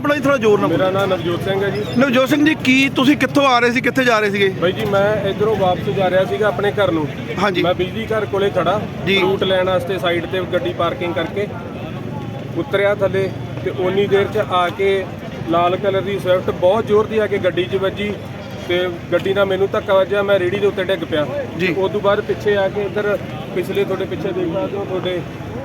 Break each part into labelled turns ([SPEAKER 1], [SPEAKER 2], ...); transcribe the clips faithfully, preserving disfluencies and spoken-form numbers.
[SPEAKER 1] ਆਪਣਾ ਜੀ, ਥੋੜਾ ਜ਼ੋਰ ਨਾਲ।
[SPEAKER 2] ਮੇਰਾ ਨਾਮ ਨਵਜੋਤ ਸਿੰਘ ਹੈ ਜੀ।
[SPEAKER 1] ਨਵਜੋਤ ਸਿੰਘ ਜੀ, ਕੀ ਤੁਸੀਂ ਕਿੱਥੋਂ ਆ ਰਹੇ ਸੀ, ਕਿੱਥੇ ਜਾ ਰਹੇ ਸੀਗੇ?
[SPEAKER 2] ਬਾਈ ਜੀ ਮੈਂ ਇਧਰੋਂ ਵਾਪਸ ਜਾ ਰਿਹਾ ਸੀਗਾ ਆਪਣੇ ਘਰ ਨੂੰ।
[SPEAKER 1] ਹਾਂਜੀ।
[SPEAKER 2] ਮੈਂ ਬਿਜਲੀ ਘਰ ਕੋਲੇ ਖੜਾ
[SPEAKER 1] ਜੀ।
[SPEAKER 2] ਰੂਟ ਲੈਣ ਵਾਸਤੇ ਸਾਈਡ ਤੇ ਗੱਡੀ ਪਾਰਕਿੰਗ ਕਰਕੇ ਉਤਰਿਆ ਥੱਲੇ, ਤੇ ਓਨੀ ਦੇਰ 'ਚ ਆ ਕੇ ਲਾਲ ਕਲਰ ਦੀ ਸਵਿਫਟ ਬਹੁਤ ਜ਼ੋਰ ਦੀ ਆ ਕੇ ਗੱਡੀ 'ਚ ਵੱਜੀ, ਤੇ ਗੱਡੀ ਨਾਲ ਮੈਨੂੰ ਧੱਕਾ ਵੱਜਿਆ। ਮੈਂ ਰੇੜੀ ਦੇ ਉੱਤੇ ਡਿੱਗ ਪਿਆ ਜੀ। ਉਸ ਤੋਂ ਬਾਅਦ ਪਿੱਛੇ ਆ ਕੇ ਇੱਧਰ ਪਿਛਲੇ ਤੁਹਾਡੇ ਪਿੱਛੇ ਦੇਖ ਸਕਦੇ ਹੋ, ਤੁਹਾਡੇ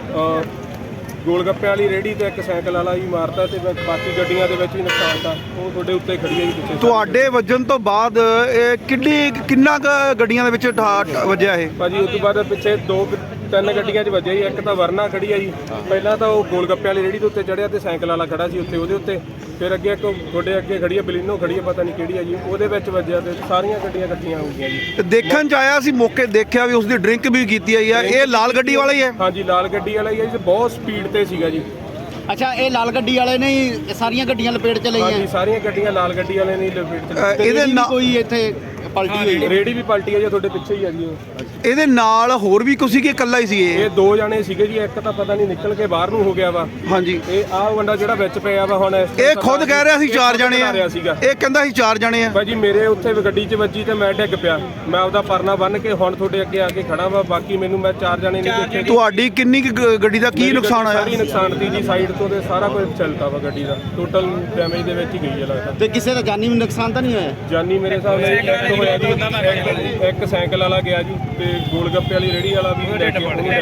[SPEAKER 2] ਗੋਲ ਗੱਪੇ ਵਾਲੀ ਰੇੜੀ ਤੇ ਇੱਕ ਸਾਈਕਲ ਵਾਲਾ ਵੀ ਮਾਰਤਾ, ਤੇ ਬਾਕੀ ਗੱਡੀਆਂ ਦੇ ਵਿੱਚ ਵੀ ਨੁਕਸਾਨ ਤਾਂ ਉਹ ਤੁਹਾਡੇ ਉੱਤੇ ਖੜੀ ਹੈ ਜੀ ਪਿੱਛੇ।
[SPEAKER 1] ਤੁਹਾਡੇ ਵੱਜਣ ਤੋਂ ਬਾਅਦ ਇਹ ਕਿੰਨੀ ਕਿੰਨਾ ਕੁ ਗੱਡੀਆਂ ਦੇ ਵਿੱਚ ਠਾ- ਵੱਜਿਆ ਇਹ?
[SPEAKER 2] ਭਾਜੀ ਉਸ ਤੋਂ ਬਾਅਦ ਪਿੱਛੇ ਦੋ ਤਿੰਨ ਗੱਡੀਆਂ 'ਚ ਵੱਜਿਆ ਜੀ। ਇੱਕ ਤਾਂ ਵਰਨਾ ਖੜੀ ਆ ਜੀ, ਪਹਿਲਾਂ ਤਾਂ ਉਹ ਗੋਲ ਗੱਪੇ ਵਾਲੀ ਰੇੜੀ ਦੇ ਉੱਤੇ ਚੜਿਆ ਤੇ ਸਾਈਕਲ ਵਾਲਾ ਖੜਾ ਸੀ ਉੱਤੇ, ਉਹਦੇ ਉੱਤੇ। ਫਿਰ ਅੱਗੇ ਇੱਕ ਤੁਹਾਡੇ ਅੱਗੇ ਖੜੀ ਆ ਬਲੀਨੋ ਖੜੀ ਆ, ਪਤਾ ਨਹੀਂ ਕਿਹੜੀ ਆ ਜੀ, ਉਹਦੇ ਵਿੱਚ ਵੱਜਿਆ ਤੇ ਸਾਰੀਆਂ ਗੱਡੀਆਂ ਇਕੱਠੀਆਂ ਹੋ ਗਈਆਂ ਜੀ।
[SPEAKER 1] ਦੇਖਣ 'ਚ ਆਇਆ ਸੀ, ਮੌਕੇ ਦੇਖਿਆ ਵੀ ਉਸਦੀ ਡਰਿੰਕ ਵੀ ਕੀਤੀ ਆਈ ਹੈ। ਇਹ ਲਾਲ ਗੱਡੀ ਵਾਲਾ ਹੀ ਹੈ?
[SPEAKER 2] ਹਾਂਜੀ ਲਾਲ ਗੱਡੀ ਵਾਲਾ ਹੀ ਹੈ ਜੀ, ਬਹੁਤ ਸਪੀਡ ਤੇ ਸੀਗਾ ਜੀ।
[SPEAKER 3] ਅੱਛਾ, ਇਹ ਲਾਲ ਗੱਡੀ ਵਾਲੇ ਨੇ ਹੀ ਸਾਰੀਆਂ ਗੱਡੀਆਂ ਲਪੇਟ ਚ ਲਈਆਂ?
[SPEAKER 2] ਹਾਂਜੀ ਸਾਰੀਆਂ ਗੱਡੀਆਂ ਲਾਲ ਗੱਡੀ ਵਾਲੇ ਨੇ ਲਪੇਟ
[SPEAKER 1] ਅ,
[SPEAKER 2] ਚ।
[SPEAKER 1] ਇਹਦੇ ਨਾਲ
[SPEAKER 3] ਕੋਈ ਇੱਥੇ ਪਲਟੀ ਹੋਈ?
[SPEAKER 2] ਰੇੜੀ ਵੀ ਪਲਟੀ ਹੈ ਜੀ, ਤੁਹਾਡੇ ਪਿੱਛੇ ਹੀ ਆ ਜੀ ਉਹ।
[SPEAKER 1] ਇਹਦੇ ਨਾਲ ਹੋਰ ਵੀ ਕੁਛ ਸੀ ਕਿ ਇਕੱਲਾ ਹੀ ਸੀ ਇਹ?
[SPEAKER 2] ਇਹ ਦੋ ਜਣੇ ਸੀਗੇ ਜੀ, ਇੱਕ ਤਾਂ ਪਤਾ ਨਹੀਂ ਨਿਕਲ ਕੇ ਬਾਹਰ ਨੂੰ ਹੋ ਗਿਆ ਵਾ।
[SPEAKER 1] ਹਾਂਜੀ।
[SPEAKER 2] ਇਹ ਆਹ ਬੰਦਾ ਜਿਹੜਾ ਵਿੱਚ ਪਿਆ ਵਾ ਹੁਣ
[SPEAKER 1] ਇਹ ਖੁਦ ਕਹਿ ਰਿਹਾ ਸੀ ਚਾਰ ਜਣੇ ਆ, ਇਹ ਕਹਿੰਦਾ ਸੀ ਚਾਰ ਜਣੇ ਆ।
[SPEAKER 2] ਭਾਜੀ ਮੇਰੇ ਉੱਥੇ ਗੱਡੀ 'ਚ ਵੱਜੀ ਤੇ ਮੈਂ ਡਿੱਗ ਪਿਆ, ਮੈਂ ਆਪਦਾ ਪਰਨਾ ਬੰਨ ਕੇ ਹੁਣ ਤੁਹਾਡੇ ਅੱਗੇ ਆ ਕੇ ਖੜਾ ਵਾ। ਬਾਕੀ ਮੈਨੂੰ ਮੈਂ ਚਾਰ ਜਣੇ ਨਹੀਂ ਦੇਖੇ।
[SPEAKER 1] ਤੁਹਾਡੀ ਕਿੰਨੀ ਕੁ ਗ- ਗੱਡੀ ਦਾ ਕੀ ਨੁਕਸਾਨ ਆਇਆ?
[SPEAKER 2] ਸਾਰੀ ਨੁਕਸਾਨ ਦੀ ਜੀ, ਸਾਈਡ ਤੋਂ ਤੇ ਸਾਰਾ ਕੁਝ ਚੱਲਦਾ ਵਾ ਗੱਡੀ ਦਾ, ਟੋਟਲ ਡੈਮੇਜ ਦੇ ਵਿੱਚ ਹੀ ਗਈ ਹੈ ਲੱਗਦਾ।
[SPEAKER 3] ਤੇ ਕਿਸੇ ਦਾ ਜਾਨੀ ਨੁਕਸਾਨ ਤਾਂ ਨਹੀਂ ਹੋਇਆ?
[SPEAKER 2] ਜਾਨੀ ਮੇਰੇ ਹਿਸਾਬ ਨਾਲ ਇੱਕ ਹੋਇਆ ਜੀ, ਇੱਕ- ਇੱਕ ਸਾਈਕਲ ਵਾਲਾ ਗਿਆ ਜੀ, ਤੇ ਗੋਲ ਗੱਪੇ ਵਾਲੀ ਰੇੜੀ ਵਾਲਾ ਵੀ ਲੈ ਕੇ ਉਹਨੂੰ ਲੈ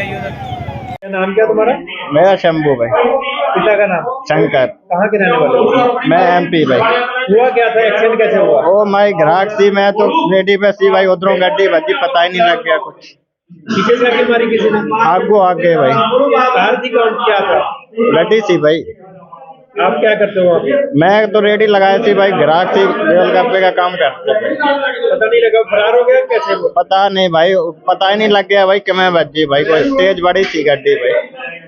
[SPEAKER 2] ਕੇ।
[SPEAKER 4] नाम क्या तुम्हारा?
[SPEAKER 5] मेरा शंभू भाई।
[SPEAKER 4] पिता का नाम?
[SPEAKER 5] शंकर।
[SPEAKER 4] कहाँ के रहने वाले हो?
[SPEAKER 5] मैं एमपी भाई।
[SPEAKER 4] हुआ क्या था, एक्सीडेंट कैसे हुआ?
[SPEAKER 5] ओ मैं ग्राहक थी, मैं तो रेडी पे सी भाई, उधरों गड्डी बजी, पता ही नहीं लग गया कुछ।
[SPEAKER 4] पीछे से आगे मारी किसी ने?
[SPEAKER 5] आगू आ गए भाई।
[SPEAKER 4] कार थी कौन, क्या था?
[SPEAKER 5] गड्डी सी भाई।
[SPEAKER 4] आप क्या करते हो वहाँ पे?
[SPEAKER 5] मैं तो रेडी लगाई थी भाई, ग्राहक थी, गोलगप्पे का काम करते थे।
[SPEAKER 4] पता नहीं लगा, फरार हो गया कैसे हुआ?
[SPEAKER 5] पता नहीं भाई, पता ही नहीं लग गया भाई कि मैं बजी भाई, कोई तेज बड़ी सी गड्डी भाई।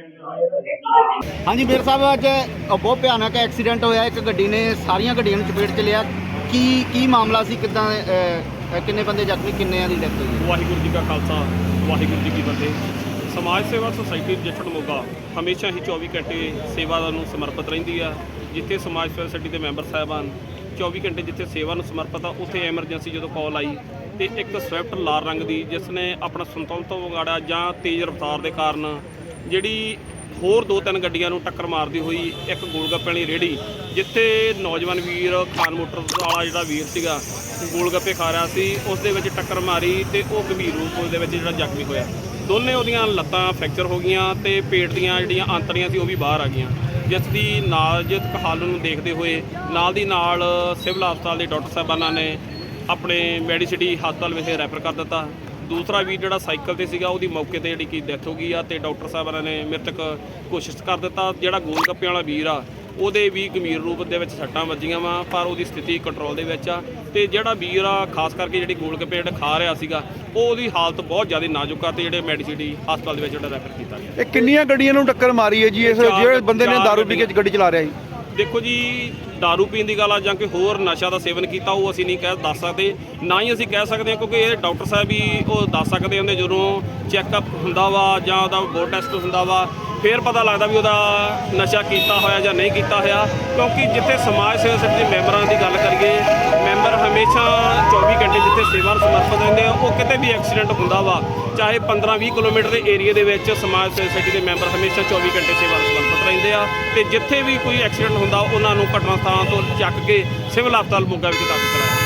[SPEAKER 3] ਹਾਂਜੀ ਮੇਰ ਸਾਹਿਬ, ਅੱਜ ਬਹੁਤ ਭਿਆਨਕ ਐਕਸੀਡੈਂਟ ਹੋਇਆ, ਇੱਕ ਗੱਡੀ ਨੇ ਸਾਰੀਆਂ ਗੱਡੀਆਂ ਨੂੰ ਚਪੇਟ ਚ ਲਿਆ। ਕੀ ਕੀ ਮਾਮਲਾ ਸੀ, ਕਿੱਦਾਂ ਅਹ, ਕਿੰਨੇ ਬੰਦੇ ਜ਼ਖਮੀ, ਕਿੰਨਿਆਂ ਦੀ ਡੈਥ ਹੋਈ?
[SPEAKER 6] ਵਾਹਿਗੁਰੂ ਜੀ ਕਾ ਖਾਲਸਾ, ਵਾਹਿਗੁਰੂ ਜੀ ਕੀ ਫਤਿਹ। ਸਮਾਜ ਸੇਵਾ ਸੁਸਾਇਟੀ ਰਜਿਸਟਰਡ ਮੋਗਾ ਹਮੇਸ਼ਾ ਹੀ ਚੌਵੀ ਘੰਟੇ ਸੇਵਾ ਨੂੰ ਸਮਰਪਿਤ ਰਹਿੰਦੀ ਆ। ਜਿੱਥੇ ਸਮਾਜ ਸੇਵਾ ਸੁਸਾਇਟੀ ਦੇ ਮੈਂਬਰ ਸਾਹਿਬਾਨ ਚੌਵੀ ਘੰਟੇ ਜਿੱਥੇ ਸੇਵਾ ਨੂੰ ਸਮਰਪਿਤ ਆ, ਉੱਥੇ ਐਮਰਜੈਂਸੀ ਜਦੋਂ ਕਾਲ ਆਈ ਤੇ ਇੱਕ ਸਵਿਫਟ ਲਾਲ ਰੰਗ ਦੀ, ਜਿਸ ਨੇ ਆਪਣਾ ਸੰਤੁਲਨ ਤੋਂ ਵਿਗਾੜਿਆ ਜਾਂ ਤੇਜ਼ ਰਫ਼ਤਾਰ ਦੇ ਕਾਰਨ ਜਿਹੜੀ ਹੋਰ ਦੋ ਤਿੰਨ ਗੱਡੀਆਂ ਨੂੰ ਟੱਕਰ ਮਾਰਦੀ ਹੋਈ ਇੱਕ ਗੋਲਗੱਪੇ ਵਾਲੀ ਰੇੜੀ, ਜਿੱਥੇ ਨੌਜਵਾਨ ਵੀਰ ਖਾਨ ਮੋਟਰ ਵਾਲਾ ਜਿਹੜਾ ਵੀਰ ਸੀਗਾ ਗੋਲਗੱਪੇ ਖਾ ਰਿਹਾ ਸੀ, ਉਸ ਦੇ ਵਿੱਚ ਟੱਕਰ ਮਾਰੀ ਤੇ ਉਹ ਗੰਭੀਰ ਰੂਪ ਦੇ ਵਿੱਚ ਜਿਹੜਾ ਜ਼ਖਮੀ ਹੋਇਆ। ਦੋਨੇ ਉਹਦੀਆਂ ਲੱਤਾਂ ਫ੍ਰੈਕਚਰ ਹੋ ਗਈਆਂ ਤੇ ਪੇਟ ਦੀਆਂ ਜਿਹੜੀਆਂ ਆਂਤੜੀਆਂ ਸੀ ਉਹ ਵੀ ਬਾਹਰ ਆ ਗਈਆਂ, ਜਿਸ ਦੀ ਨਾਜ਼ੁਕ ਹਾਲਤ ਨੂੰ ਦੇਖਦੇ ਹੋਏ ਨਾਲ ਦੀ ਨਾਲ ਸਿਵਲ ਹਸਪਤਾਲ ਦੇ ਡਾਕਟਰ ਸਾਹਿਬਾਨਾਂ ਨੇ ਆਪਣੇ ਮੈਡੀਸਿਟੀ ਹਸਪਤਾਲ ਵਿਖੇ ਰੈਫਰ ਕਰ ਦਿੱਤਾ। ਦੂਸਰਾ ਵੀਰ ਜਿਹੜਾ ਸਾਈਕਲ ਤੇ ਸੀਗਾ, ਉਹਦੀ ਮੌਕੇ ਤੇ ਜਿਹੜੀ ਕਿ ਡੈਥ ਹੋ ਗਈ ਆ, ਤੇ ਡਾਕਟਰ ਸਾਹਿਬਾਨਾਂ ਨੇ ਮ੍ਰਿਤਕ ਘੋਸ਼ਿਤ ਕਰ ਦਿੱਤਾ। ਜਿਹੜਾ ਗੋਲ ਗੱਪੇ ਵਾਲਾ ਵੀਰ ਆ, ਉਹਦੇ ਵੀ ਗੰਭੀਰ ਰੂਪ ਦੇ ਵਿੱਚ ਸੱਟਾਂ ਵੱਜੀਆਂ ਵਾ, ਪਰ ਉਹਦੀ ਸਥਿਤੀ ਕੰਟਰੋਲ ਦੇ ਵਿੱਚ ਆ। ਤੇ ਜਿਹੜਾ ਵੀਰ ਆ ਖਾਸ ਕਰਕੇ ਜਿਹੜੀ ਗੋਲ ਗੱਪੇ ਜਿਹੜੇ ਖਾ ਰਿਹਾ ਸੀਗਾ, ਉਹਦੀ ਹਾਲਤ ਬਹੁਤ ਜ਼ਿਆਦਾ ਨਾਜ਼ੁਕ ਆ, ਤੇ ਜਿਹੜੇ ਮੈਡੀਸਿਟੀ ਹਸਪਤਾਲ ਦੇ ਵਿੱਚ ਜਿਹੜਾ ਰੈਫਰ ਕੀਤਾ ਗਿਆ।
[SPEAKER 1] ਇਹ ਕਿੰਨੀਆਂ ਗੱਡੀਆਂ ਨੂੰ ਟੱਕਰ ਮਾਰੀ ਹੈ ਜੀ ਇਸ ਜਿਹੜੇ ਬੰਦੇ ਨੇ ਦਾਰੂ ਪੀ ਕੇ ਗੱਡੀ ਚਲਾ ਰਿਹਾ ਸੀ?
[SPEAKER 6] ਦੇਖੋ ਜੀ, ਦਾਰੂ ਪੀਣ ਦੀ ਗੱਲ ਆ ਜਾਂ ਕੋਈ ਹੋਰ ਨਸ਼ਾ ਦਾ ਸੇਵਨ ਕੀਤਾ, ਉਹ ਅਸੀਂ ਨਹੀਂ ਕਹਿ ਦੱਸ ਸਕਦੇ, ਨਾ ਹੀ ਅਸੀਂ ਕਹਿ ਸਕਦੇ ਹਾਂ, ਕਿਉਂਕਿ ਇਹ ਡਾਕਟਰ ਸਾਹਿਬ ਹੀ ਉਹ ਦੱਸ ਸਕਦੇ ਹੁੰਦੇ ਜਦੋਂ ਚੈੱਕਅਪ ਹੁੰਦਾ ਵਾ ਜਾਂ ਉਹਦਾ ਬਲੱਡ ਟੈਸਟ ਹੁੰਦਾ ਵਾ, ਫਿਰ ਪਤਾ ਲੱਗਦਾ ਵੀ ਉਹਦਾ ਨਸ਼ਾ ਕੀਤਾ ਹੋਇਆ ਜਾਂ ਨਹੀਂ ਕੀਤਾ ਹੋਇਆ। ਕਿਉਂਕਿ ਜਿੱਥੇ ਸਮਾਜ ਸੇਵਾ ਸమిਤੀ ਦੇ ਮੈਂਬਰਾਂ ਦੀ ਗੱਲ ਕਰੀਏ, ਮੈਂਬਰ ਹਮੇਸ਼ਾ ਚੌਵੀ ਘੰਟੇ ਜਿੱਥੇ ਸੇਵਾ ਨੂੰ ਸਮਰਪਿਤ ਰਹਿੰਦੇ ਆ। ਉਹ ਕਿਤੇ ਵੀ ਐਕਸੀਡੈਂਟ ਹੁੰਦਾ ਵਾ, ਚਾਹੇ ਪੰਦਰਾਂ ਵੀਹ ਕਿਲੋਮੀਟਰ ਦੇ ਏਰੀਏ ਦੇ ਵਿੱਚ, ਸਮਾਜ ਸੇਵਾ ਸमिति ਦੇ ਮੈਂਬਰ ਹਮੇਸ਼ਾ ਚੌਵੀ ਘੰਟੇ ਸੇਵਾ ਨੂੰ ਸਮਰਪਿਤ ਰਹਿੰਦੇ ਆ। ਤੇ ਜਿੱਥੇ ਵੀ ਕੋਈ ਐਕਸੀਡੈਂਟ ਹੁੰਦਾ, ਉਹਨਾਂ ਨੂੰ ਘਟਨਾ ਸਥਾਨ ਤੋਂ ਚੱਕ ਕੇ ਸਿਵਲ ਹਸਪਤਾਲ ਮੋਗਾ ਵਿੱਚ ਦਾਖਲ ਕਰਾਇਆ।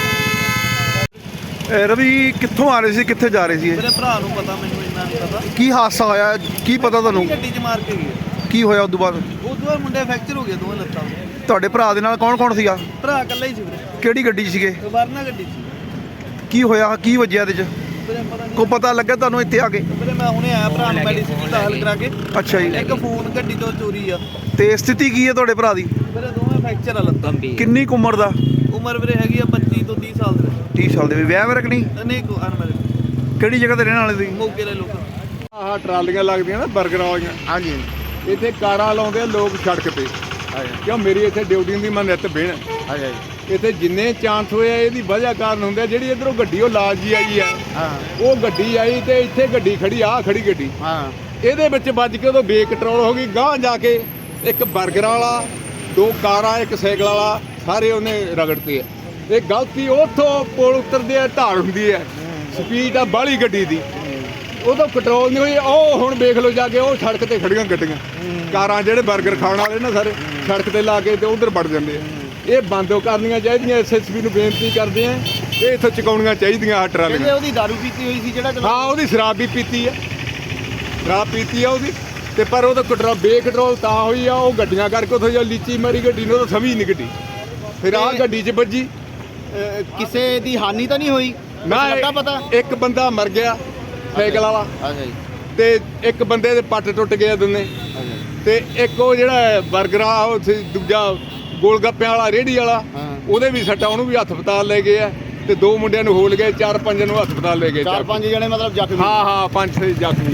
[SPEAKER 1] ਰਵੀ, ਕਿੱਥੋਂ ਆ ਰਹੇ ਸੀ, ਕਿੱਥੇ ਜਾ ਰਹੇ ਸੀ?
[SPEAKER 7] ਮੇਰੇ ਭਰਾ ਨੂੰ ਪਤਾ, ਮੈਨੂੰ ਇੰਨਾ ਨਹੀਂ ਪਤਾ।
[SPEAKER 1] ਕੀ ਹਾਦਸਾ ਹੋਇਆ, ਕੀ ਪਤਾ ਤੁਹਾਨੂੰ?
[SPEAKER 7] ਗੱਡੀ 'ਚ ਮਾਰ ਕੇ ਗਏ।
[SPEAKER 1] ਕੀ ਹੋਇਆ ਉਸ ਤੋਂ ਬਾਅਦ?
[SPEAKER 7] ਉਹ ਤੋਂ ਬਾਅਦ ਮੁੰਡੇ ਫ੍ਰੈਕਚਰ ਹੋ ਗਏ ਦੋਵੇਂ ਲੱਤਾਂ।
[SPEAKER 1] ਤੁਹਾਡੇ ਭਰਾ ਦੇ ਨਾਲ ਕੌਣ ਕੌਣ ਸੀਗਾ?
[SPEAKER 7] ਭਰਾ ਇਕੱਲਾ ਹੀ ਸੀ ਵੀਰੇ।
[SPEAKER 1] ਕਿਹੜੀ ਗੱਡੀ 'ਚ ਸੀਗੇ?
[SPEAKER 7] ਵਰਨਾ ਗੱਡੀ ਸੀ
[SPEAKER 1] ਕੀ ਹੋਇਆ, ਕੀ ਵੱਜਿਆ ਇਹਦੇ 'ਚ?
[SPEAKER 7] ਵੀਰੇ ਪਤਾ ਨਹੀਂ।
[SPEAKER 1] ਕੋ ਪਤਾ ਲੱਗਾ ਤੁਹਾਨੂੰ ਇੱਥੇ ਆ ਕੇ?
[SPEAKER 7] ਵੀਰੇ ਮੈਂ ਹੁਣੇ ਆਇਆ, ਭਰਾ ਨੂੰ ਮੈਡੀਸਿਨ ਦਾਖਲ ਕਰਾ ਕੇ।
[SPEAKER 1] ਅੱਛਾ ਜੀ।
[SPEAKER 7] ਇੱਕ ਫੋਨ ਗੱਡੀ ਤੋਂ ਚੋਰੀ ਆ।
[SPEAKER 1] ਤੇ ਸਥਿਤੀ ਕੀ ਹੈ ਤੁਹਾਡੇ ਭਰਾ ਦੀ?
[SPEAKER 7] ਵੀਰੇ ਦੋਵੇਂ ਫ੍ਰੈਕਚਰ ਆ ਲੱਤਾਂ।
[SPEAKER 1] ਕਿੰਨੀ ਕੁ ਉਮਰ ਦਾ?
[SPEAKER 7] ਉਮਰ ਵੀਰੇ ਹੈਗੀ ਆ ਪੱਚੀ ਤੋਂ ਤੀਹ ਸਾਲ ਦੇ।
[SPEAKER 1] ਤੀਹ ਸਾਲ ਦੇ ਵੀ? ਵਿਆਹ ਵਰਕ ਨਹੀਂ?
[SPEAKER 7] ਨਹੀਂ ਕੋ ਅਨਮੈਰਿਡ।
[SPEAKER 1] ਕਿਹੜੀ ਜਗ੍ਹਾ ਤੇ ਰਹਿਣ ਵਾਲੇ ਤੁਸੀਂ?
[SPEAKER 7] ਮੋਗੇ ਦੇ ਲੋਕ।
[SPEAKER 2] ਆਹ ਟਰਾਲੀਆਂ ਲੱਗਦੀਆਂ ਨਾ ਬਰਗਰ ਵਾਲੀਆਂ,
[SPEAKER 5] ਹਾਂਜੀ।
[SPEAKER 2] ਇੱਥੇ ਕਾਰਾਂ ਲਾਉਂਦੇ ਆ ਲੋਕ ਸੜਕ ਤੇ, ਕਿਉਂ ਮੇਰੀ ਇੱਥੇ ਡਿਊਟੀ ਹੁੰਦੀ, ਮੈਂ ਨਿੱਤ ਬਹਿਣ। ਇੱਥੇ ਜਿੰਨੇ ਚਾਂਸ ਹੋਏ ਆ ਇਹਦੀ ਵਜ੍ਹਾ ਕਾਰਨ ਹੁੰਦੇ ਆ। ਜਿਹੜੀ ਇੱਧਰੋਂ ਗੱਡੀ ਉਹ ਲਾਲ ਜੀ ਆਈ ਆ, ਉਹ ਗੱਡੀ ਆਈ ਤੇ ਇੱਥੇ ਗੱਡੀ ਖੜੀ ਆ, ਖੜੀ ਗੱਡੀ ਇਹਦੇ ਵਿੱਚ ਵੱਜ ਕੇ ਉਦੋਂ ਬੇਕੰਟਰੋਲ ਹੋ ਗਈ। ਗਾਂਹ ਜਾ ਕੇ ਇੱਕ ਬਰਗਰ ਵਾਲਾ
[SPEAKER 8] ਦੋ ਕਾਰਾਂ ਇੱਕ ਸਾਈਕਲ ਵਾਲਾ ਸਾਰੇ ਉਹਨੇ ਰਗੜਤੇ ਆ। ਇਹ ਗਲਤੀ ਉੱਥੋਂ ਪੁਲ ਉਤਰਦੇ ਆ ਢਾਲ ਹੁੰਦੀ ਹੈ, ਸਪੀਡ ਆ ਬਾਹਲੀ ਗੱਡੀ ਦੀ, ਉਦੋਂ ਕੰਟਰੋਲ ਨਹੀਂ ਹੋਈ। ਉਹ ਹੁਣ ਵੇਖ ਲਓ ਜਾ ਕੇ ਉਹ ਸੜਕ ਤੇ ਖੜੀਆਂ ਗੱਡੀਆਂ, ਕਾਰਾਂ ਜਿਹੜੇ 버ਗਰ ਖਾਣ ਵਾਲੇ ਨਾ ਸਾਰੇ ਸੜਕ ਤੇ ਲਾ ਕੇ ਤੇ ਉਧਰ ਵੜ ਜਾਂਦੇ ਆ। ਇਹ ਬੰਦ ਕਰਨੀਆਂ ਚਾਹੀਦੀਆਂ, ਐਸ ਐਸ ਪੀ ਨੂੰ ਬੇਨਤੀ ਕਰਦੇ ਆ, ਇਹ ਇੱਥੋਂ ਚੁਕਾਉਣੀਆਂ ਚਾਹੀਦੀਆਂ ਆਹ
[SPEAKER 3] ਕਹਿੰਦੇ
[SPEAKER 8] ਟਰਾਲੀਆਂ।
[SPEAKER 3] ਉਹਦੀ ਦਾਰੂ ਪੀਤੀ ਹੋਈ ਸੀ ਜਿਹੜਾ ਚਲਾ
[SPEAKER 8] ਹਾਂ ਉਹਦੀ ਸ਼ਰਾਬ ਵੀ ਪੀਤੀ ਆ, ਸ਼ਰਾਬ ਪੀਤੀ ਆ ਉਹਦੀ, ਤੇ ਪਰ ਉਹਦਾ ਕੰਟਰੋਲ ਬੇਕੰਟਰੋਲ ਤਾਂ ਹੋਈ ਆ, ਉਹ ਗੱਡੀਆਂ ਕਰਕੇ ਉੱਥੋਂ ਜੋ ਲੀਚੀ ਮਾਰੀ ਗੱਡੀ ਨੂੰ, ਉਹ ਤਾਂ ਸਮਝ ਨਹੀਂ ਗੱਡੀ, ਫਿਰ ਆਹ ਗੱਡੀ 'ਚ ਵੱਜੀ।
[SPEAKER 3] ਅਹ ਕਿਸੇ ਦੀ ਹਾਨੀ ਤਾਂ ਨਹੀਂ ਹੋਈ?
[SPEAKER 8] ਨਾ
[SPEAKER 3] ਲੱਗਾ ਪਤਾ?
[SPEAKER 8] ਇੱਕ ਬੰਦਾ ਮਰ ਗਿਆ ਸਾਈਕਲ ਵਾਲਾ,
[SPEAKER 3] ਅੱਛਾ ਜੀ,
[SPEAKER 8] ਤੇ ਇੱਕ ਬੰਦੇ ਦੇ ਪੱਟ ਟੁੱਟ ਗਏ ਦੋਨੇ, ਤੇ ਇੱਕ ਉਹ ਜਿਹੜਾ 버ਗਰ ਆ ਉਹ ਸੀ ਦੂਜਾ ਗੋਲ ਗੱਪਿਆਂ ਵਾਲਾ ਰੇਹੜੀ ਵਾਲਾ, ਉਹਦੇ ਵੀ ਸੱਟਾਂ, ਉਹਨੂੰ ਵੀ ਹਸਪਤਾਲ ਲੈ ਗਏ ਆ, ਤੇ ਦੋ ਮੁੰਡਿਆਂ ਨੂੰ ਹੋਲ ਗਏ, ਚਾਰ ਪੰਜ ਨੂੰ ਹਸਪਤਾਲ ਲੈ ਗਏ।
[SPEAKER 3] ਚਾਰ ਪੰਜ ਜਣੇ ਮਤਲਬ ਜ਼ਖਮੀ?
[SPEAKER 8] ਹਾਂ ਹਾਂ ਪੰਜ ਛੇ ਜ਼ਖਮੀ।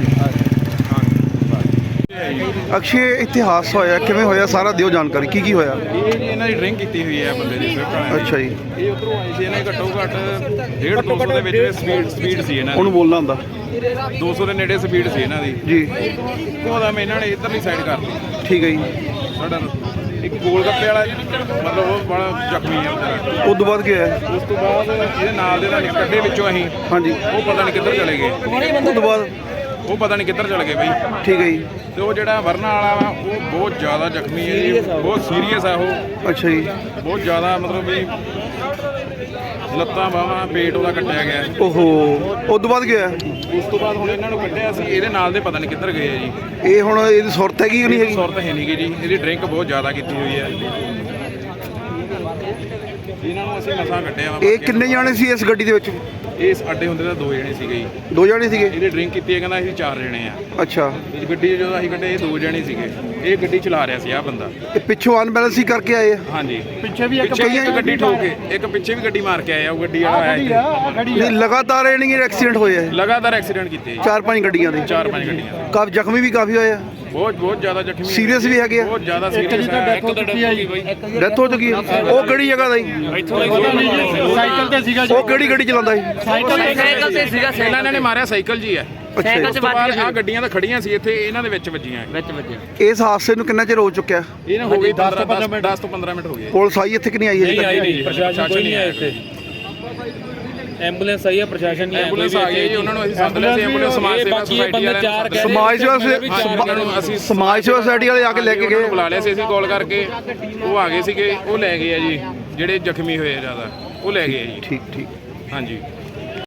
[SPEAKER 1] ਅਕਸ਼ੇ ਇੱਥੇ ਹਾਦਸਾ ਹੋਇਆ ਕਿਵੇਂ ਹੋਇਆ, ਸਾਰਾ ਦਿਓ ਜਾਣਕਾਰੀ, ਕੀ ਕੀ ਹੋਇਆ?
[SPEAKER 9] ਇਹ ਜੀ ਇਹਨਾਂ ਦੀ ਡਰਿੰਕ ਕੀਤੀ ਹੋਈ ਹੈ ਬੰਦੇ ਦੀ ਸਵਿਫਟ ਵਾਲਿਆਂ
[SPEAKER 1] ਅੱਛਾ ਜੀ,
[SPEAKER 9] ਦੀ। ਇਹ ਉਧਰੋਂ ਆਏ ਸੀ, ਇਹਨਾਂ ਦੀ ਘੱਟੋ ਘੱਟ ਡੇਢ ਦੋ ਸੌ ਦੇ ਵਿੱਚ ਸਪੀਡ ਸਪੀਡ ਸੀ ਇਹਨਾਂ
[SPEAKER 1] ਉਹਨੂੰ ਬੋਲਣਾ ਹੁੰਦਾ
[SPEAKER 9] ਦੀ, ਦੋ ਸੌ ਦੇ ਨੇੜੇ ਸਪੀਡ ਸੀ ਇਹਨਾਂ ਦੀ
[SPEAKER 1] ਜੀ,
[SPEAKER 9] ਉਹਦਾ ਮੈਂ ਇਹਨਾਂ ਨੇ ਇੱਧਰਲੀ ਸਾਈਡ ਕਰਤੀ
[SPEAKER 1] ਠੀਕ ਹੈ ਜੀ।
[SPEAKER 9] ਸਾਡਾ ਇੱਕ ਗੋਲ ਗੱਪੇ ਵਾਲਾ ਮਤਲਬ ਉਹ ਬੜਾ ਜ਼ਖਮੀ ਹੈ ਵਿਚਾਰਾ।
[SPEAKER 1] ਉਸ ਤੋਂ ਬਾਅਦ ਕੀ ਹੋਇਆ?
[SPEAKER 9] ਉਸ ਤੋਂ ਬਾਅਦ ਇਹਦੇ ਨਾਲ ਦੇ ਨਾਲ ਕੱਢੇ ਵਿੱਚੋਂ ਅਸੀਂ,
[SPEAKER 1] ਹਾਂਜੀ,
[SPEAKER 9] ਉਹ ਪਤਾ ਨਹੀਂ ਕਿੱਧਰ ਚਲੇ ਗਏ,
[SPEAKER 1] ਉਸ ਤੋਂ ਬਾਅਦ
[SPEAKER 9] ਉਹ ਪਤਾ ਨਹੀਂ ਕਿੱਧਰ ਚਲੇ ਗਏ ਬਈ।
[SPEAKER 1] ਠੀਕ ਹੈ ਜੀ,
[SPEAKER 9] ਤੇ ਉਹ ਜਿਹੜਾ ਵਰਨਾ ਵਾਲਾ ਵਾ ਉਹ ਬਹੁਤ ਜ਼ਿਆਦਾ ਜ਼ਖਮੀ ਹੈ ਜੀ, ਬਹੁਤ ਸੀਰੀਅਸ ਆ ਉਹ,
[SPEAKER 1] ਅੱਛਾ ਜੀ,
[SPEAKER 9] ਬਹੁਤ ਜ਼ਿਆਦਾ ਮਤਲਬ ਵੀ ਲੱਤਾਂ ਬਾਹਾਂ ਪੇਟ ਉਹਦਾ ਕੱਟਿਆ ਗਿਆ।
[SPEAKER 1] ਓਹੋ, ਉਸ ਤੋਂ ਬਾਅਦ ਕੀ ਹੋਇਆ?
[SPEAKER 9] ਉਸ ਤੋਂ ਬਾਅਦ ਹੁਣ ਇਹਨਾਂ ਨੂੰ ਕੱਢਿਆ ਸੀ, ਇਹਦੇ ਨਾਲ ਦੇ ਪਤਾ ਨਹੀਂ ਕਿੱਧਰ ਗਏ ਆ ਜੀ।
[SPEAKER 1] ਇਹ ਹੁਣ ਇਹਦੀ ਸੁਰਤ ਹੈਗੀ ਕਿ ਨਹੀਂ ਹੈਗੀ?
[SPEAKER 9] ਸੁਰਤ ਹੈ ਨਹੀਂ ਗੀ ਜੀ, ਇਹਦੀ ਡਰਿੰਕ ਬਹੁਤ ਜ਼ਿਆਦਾ ਕੀਤੀ ਹੋਈ ਹੈ। ਇਹਨਾਂ ਨੂੰ ਅਸੀਂ ਮਸਾਂ ਕੱਢਿਆ ਵਾ।
[SPEAKER 1] ਇਹ ਕਿੰਨੇ ਜਾਣੇ ਸੀ ਇਸ ਗੱਡੀ ਦੇ ਵਿੱਚ?
[SPEAKER 9] ਇਸ ਅੱਡੇ ਹੁੰਦੇ ਤਾਂ ਦੋ ਜਣੇ ਸੀਗੇ ਜੀ,
[SPEAKER 1] ਦੋ ਜਾਣੇ ਸੀਗੇ?
[SPEAKER 9] ਇਹਦੇ ਡਰਿੰਕ ਕੀਤੀ ਹੈ, ਕਹਿੰਦਾ ਅਸੀਂ ਚਾਰ ਜਣੇ ਆ।
[SPEAKER 1] ਅੱਛਾ,
[SPEAKER 9] ਇਸ ਗੱਡੀ 'ਚ ਜਦੋਂ ਅਸੀਂ ਕੱਢੇ ਇਹ ਦੋ ਜਣੇ ਸੀਗੇ, ਇਹ ਗੱਡੀ ਚਲਾ ਰਿਹਾ ਸੀ ਆਹ ਬੰਦਾ।
[SPEAKER 1] ਇਹ ਪਿੱਛੋਂ ਅਨਬੈਲੈਂਸ ਹੀ ਕਰਕੇ ਆਏ ਆ?
[SPEAKER 9] ਹਾਂਜੀ, ਪਿੱਛੇ ਵੀ ਇੱਕ ਗੱਡੀ ਠੋਕ ਕੇ, ਇੱਕ ਪਿੱਛੇ ਵੀ ਗੱਡੀ ਮਾਰ ਕੇ ਆਇਆ, ਉਹ ਗੱਡੀ ਵਾਲਾ ਆਇਆ ਇੱਥੇ।
[SPEAKER 1] ਨਹੀਂ, ਲਗਾਤਾਰ ਇਹ ਨਹੀਂ ਐਕਸੀਡੈਂਟ ਹੋਏ ਆ?
[SPEAKER 9] ਲਗਾਤਾਰ ਐਕਸੀਡੈਂਟ ਕੀਤੇ ਜੀ,
[SPEAKER 1] ਚਾਰ ਪੰਜ ਗੱਡੀਆਂ ਦੇ?
[SPEAKER 9] ਚਾਰ ਪੰਜ ਗੱਡੀਆਂ।
[SPEAKER 1] ਕਾਫੀ ਜ਼ਖਮੀ ਵੀ ਕਾਫੀ ਹੋਏ ਆ?
[SPEAKER 9] ਬਹੁਤ ਬਹੁਤ ਜ਼ਿਆਦਾ ਜ਼ਖਮੀ,
[SPEAKER 1] ਸੀਰੀਅਸ ਵੀ ਹੈਗੇ ਆ?
[SPEAKER 9] ਬਹੁਤ ਜ਼ਿਆਦਾ ਸੀਰੀਅਸ ਹੈ। ਇੱਕ ਤਾਂ ਡੈਥ ਹੋ ਚੁੱਕੀ ਹੈ ਜੀ ਬਾਈ।
[SPEAKER 1] ਡੈਥ ਹੋ ਚੁੱਕੀ ਹੈ? ਉਹ ਕਿਹੜੀ ਜਗ੍ਹਾ ਦਾ ਜੀ?
[SPEAKER 2] ਸਾਈਕਲ ਤੇ ਸੀਗਾ
[SPEAKER 1] ਉਹ ਕਿਹੜੀ ਗੱਡੀ ਚਲਾਉਂਦਾ ਸੀ?
[SPEAKER 2] ਸਾਈਕਲ ਤੇ ਸੀਗਾ।
[SPEAKER 9] ਪਹਿਲਾਂ ਇਹਨਾਂ ਨੇ ਮਾਰਿਆ ਸਾਈਕਲ ਜੀ ਹੈ,
[SPEAKER 1] ਅੱਛਾ ਜੀ।
[SPEAKER 9] ਉਸ ਤੋਂ ਬਾਅਦ ਆਹ ਗੱਡੀਆਂ ਤਾਂ ਖੜੀਆਂ ਸੀ ਇੱਥੇ, ਇਹਨਾਂ ਦੇ ਵਿੱਚ ਵੱਜੀਆਂ ਵਿੱਚ ਵੱਜੀਆਂ।
[SPEAKER 1] ਇਸ ਹਾਦਸੇ ਨੂੰ ਕਿੰਨਾ ਚਿਰ ਹੋ ਚੁੱਕਿਆ?
[SPEAKER 9] ਇਹਨਾਂ ਹੋ ਗਈ ਦਸ ਤੋਂ ਪੰਦਰਾਂ ਮਿੰਟ ਹੋ ਗਏ।
[SPEAKER 1] ਪੁਲਿਸ ਆਈ ਇੱਥੇ ਕਿ ਨਹੀਂ ਆਈ?
[SPEAKER 2] ਨਹੀਂ ਆਈ ਨਹੀਂ, ਪ੍ਰਸ਼ਾਸਨ ਕੋਈ ਨਹੀਂ ਆਇਆ ਇੱਥੇ। ਐਂਬੂਲੈਂਸ ਆਈ ਹੈ, ਪ੍ਰਸ਼ਾਸਨ ਨਹੀਂ ਆਇਆ।
[SPEAKER 9] ਐਂਬੂਲੈਂਸ ਆ ਗਈ ਜੀ, ਉਹਨਾਂ ਨੂੰ ਅਸੀਂ ਸੱਦ ਲਿਆ ਸੀ। ਐਂਬੂਲੈਂਸ ਸਮਾਜ ਸੇਵਾ ਸੁਸਾਇਟੀ ਵਾਲਿਆਂ ਨੇ,
[SPEAKER 1] ਸਮਾਜ ਸੇਵਾ
[SPEAKER 9] ਉਹਨਾਂ ਨੂੰ ਅਸੀਂ
[SPEAKER 1] ਸਮਾਜ ਸੇਵਾ ਸੁਸਾਇਟੀ ਵਾਲੇ ਆ ਕੇ ਲੈ ਕੇ
[SPEAKER 9] ਉਹਨਾਂ ਨੂੰ
[SPEAKER 1] ਗਏ?
[SPEAKER 9] ਬੁਲਾ ਲਿਆ ਸੀ ਅਸੀਂ ਕਾਲ ਕਰਕੇ, ਉਹ ਆ ਗਏ ਸੀਗੇ, ਉਹ ਲੈ ਗਏ ਆ ਜੀ, ਜਿਹੜੇ ਜ਼ਖਮੀ ਹੋਏ ਆ ਜ਼ਿਆਦਾ ਉਹ ਲੈ ਗਏ ਆ ਜੀ।
[SPEAKER 1] ਠੀਕ ਠੀਕ।
[SPEAKER 9] ਹਾਂਜੀ।